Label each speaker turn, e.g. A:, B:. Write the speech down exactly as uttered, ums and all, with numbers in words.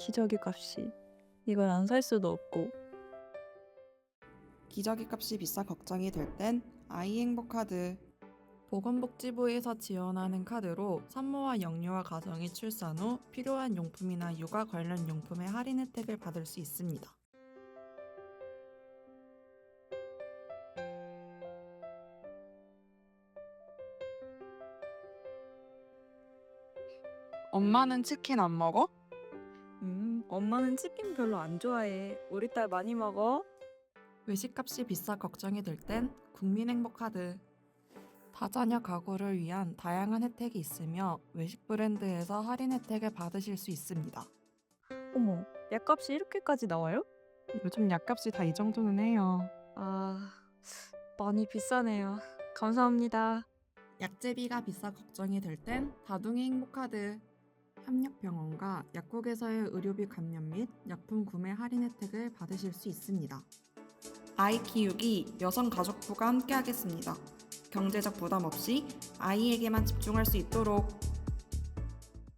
A: 기저귀 값이. 이걸 안 살 수도 없고.
B: 기저귀 값이 비싸 걱정이 될 땐 아이행복카드.
C: 보건복지부에서 지원하는 카드로 산모와 영유아 가정이 출산 후 필요한 용품이나 육아 관련 용품의 할인 혜택을 받을 수 있습니다.
D: 엄마는 치킨 안 먹어?
A: 음, 엄마는 치킨 별로 안 좋아해. 우리 딸 많이 먹어?
C: 외식값이 비싸 걱정이 될 땐 국민행복카드. 다자녀 가구를 위한 다양한 혜택이 있으며 외식 브랜드에서 할인 혜택을 받으실 수 있습니다.
A: 어머, 약값이 이렇게까지 나와요?
D: 요즘 약값이 다 이 정도는 해요.
A: 아, 많이 비싸네요. 감사합니다.
C: 약제비가 비싸 걱정이 될 땐 다둥이 행복카드. 협력병원과 약국에서의 의료비 감면 및 약품 구매 할인 혜택을 받으실 수 있습니다.
B: 아이 키우기 여성가족부가 함께하겠습니다. 경제적 부담 없이 아이에게만 집중할 수 있도록